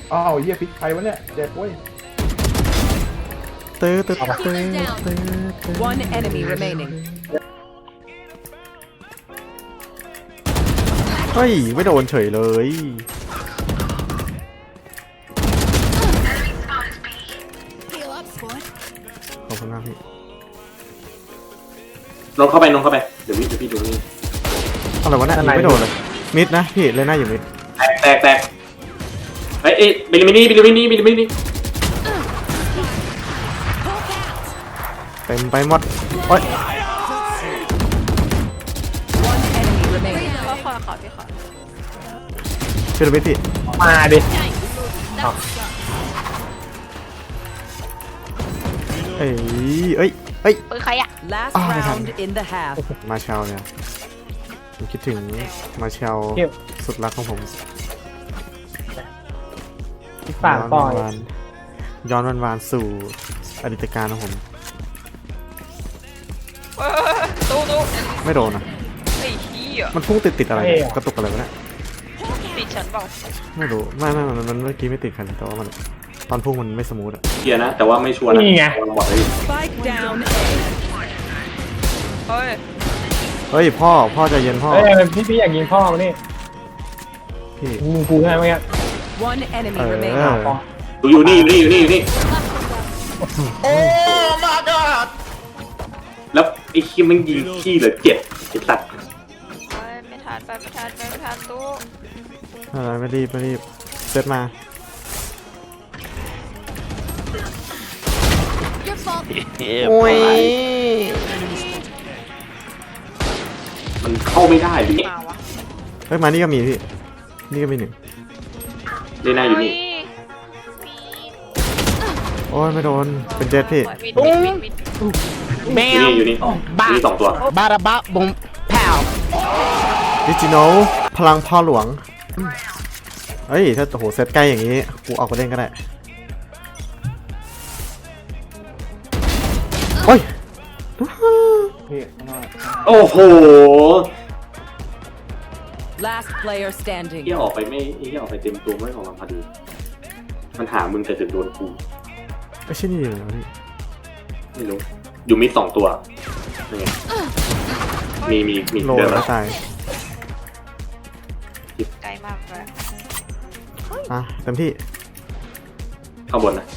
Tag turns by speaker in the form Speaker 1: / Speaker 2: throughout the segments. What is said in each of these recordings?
Speaker 1: อ้าวเหี้ยพลิกใครวะเนี่ยเจ็บเว้ย
Speaker 2: ตื้อตื้อ
Speaker 3: One enemy remaining.
Speaker 2: เฮ้ยไม่โดนเฉยเลย
Speaker 4: Heal up, squad.
Speaker 2: ขอบคุณมากพี่
Speaker 5: นนเข้าไปเดี๋ยวพี่ดูนี่
Speaker 2: อะไรวะเนี่ยยิงไม่โดนเลยมิดนะพี่เลยหน้าอยู่มิด
Speaker 5: แตกเฮ้ยบิลลิมินี่
Speaker 2: เต็มไปหมดโอ๊ย
Speaker 3: One enemy remaining.
Speaker 6: ขอพี่ขอ
Speaker 2: ช่วยดูมิดพี่
Speaker 1: มาดิ
Speaker 2: เอ้ย
Speaker 6: ปืนใครอ่ะ
Speaker 3: Last
Speaker 2: Oh, my
Speaker 3: round
Speaker 2: God.
Speaker 3: in the half.
Speaker 2: มาเชลเนี่ยผมคิดถึงมาเชลสุดรักของผม
Speaker 1: ปากปล่อย
Speaker 2: ย้อนวานสู่อดีตการของผม
Speaker 6: ตู้
Speaker 2: ไม่โดนนะ
Speaker 6: ไอ้เหี้ย
Speaker 2: มันพุ่งติดอะไรเนี่ยกระตุกอะไรวะเนี่ย
Speaker 6: ติดฉันเปล่า
Speaker 2: ไม่รู้ไม่มันเมื่อกี้ไม่ติดคันแต่ว่ามันตอนพุ่งมันไม่สมูทอะ
Speaker 5: เคลียร์นะแต่ว่าไม่ชัวร์นะบอกเลย
Speaker 3: Spike down A.
Speaker 6: เฮ้ย
Speaker 2: เฮ้ยพ่อใจเย็นพ่อ
Speaker 1: เฮ้ยพี่อยากยิงพ่อมานี่
Speaker 2: พี่
Speaker 1: มึงกูใช่ไหมเนี่ย
Speaker 3: One enemy
Speaker 2: เอ
Speaker 3: remaining.
Speaker 2: อ
Speaker 5: อยู่นี่แล้วไอ้คิมมันยิงขี้เหลือ7ไอ้สัตว์
Speaker 6: ไม่ทันตู้
Speaker 2: ไม่รีบเซตมา
Speaker 4: Your fault.
Speaker 2: โอ้ย
Speaker 5: มันเข้าไม่ได้ดิ
Speaker 6: มาวะ
Speaker 2: เฮ้ยมานี่ก็มีพี่นี่ก็มีหนึ่ง
Speaker 5: เลน่าอยู่นี่
Speaker 2: โอ้ยไม่โดนเป็นเจ็ตพี่
Speaker 6: วิด
Speaker 5: อยู่นี่มี2ตัว
Speaker 7: บาราบะบงแผ่ว
Speaker 2: ดิจิโนพลังพ่อหลวงเฮ้ยถ้าโหเซตใกล้อย่างนี้กูออกไปเล่นก็ได้โอ้ย
Speaker 1: พี่ข้างหน้า
Speaker 5: โอ้โห
Speaker 3: Last player standing.
Speaker 5: เฮียออกไปเต็มตัวไม่ออกมาพอดีมันหามึงแต่ถึงโดนกู
Speaker 2: ไม่ใช่นี่เลยพี่
Speaker 5: ไม่รู้อยู่มิด2ตัวยังไงมี
Speaker 2: โล
Speaker 5: เดิน
Speaker 2: แล้
Speaker 5: มาว
Speaker 2: ตาย
Speaker 6: ไกลมากเลย
Speaker 2: อ่ะเต็มที่
Speaker 5: ข้างบนนะ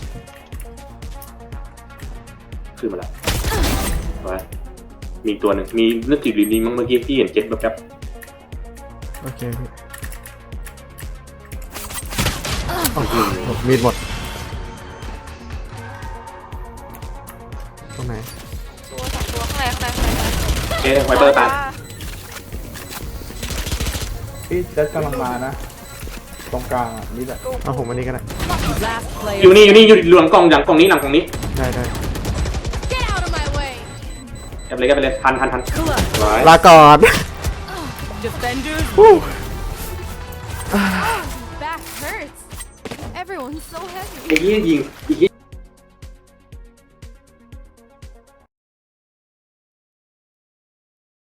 Speaker 5: ขึ้นมาแล้วไว้มีตัวหนึ่งมีนึกถึงลีนี้มั้งเมื่อกี้ที่เห็นเจ็ตแบบ
Speaker 2: โอเคพี่โอ้โหมีดหมดตรงไหน
Speaker 6: ตัว2ตัวข้างใน
Speaker 5: เอ๊ะไวเปอร์ตาย
Speaker 1: พี่เจ็ดกำลังมานะตรงกลางอ่ะนี่แหละ
Speaker 2: เอาผมอันนี้ก็ได้
Speaker 3: Last player.
Speaker 5: อยู่นี่อยู่หลังกล่องหลังกล่องนี้
Speaker 2: ได้
Speaker 4: Get out of my way.
Speaker 5: กันไปเลยทันไว้
Speaker 2: ลาก่อน
Speaker 3: Defenders.
Speaker 4: Back hurts. Everyone's so heavy.
Speaker 5: ไอ้เหี้ยยิง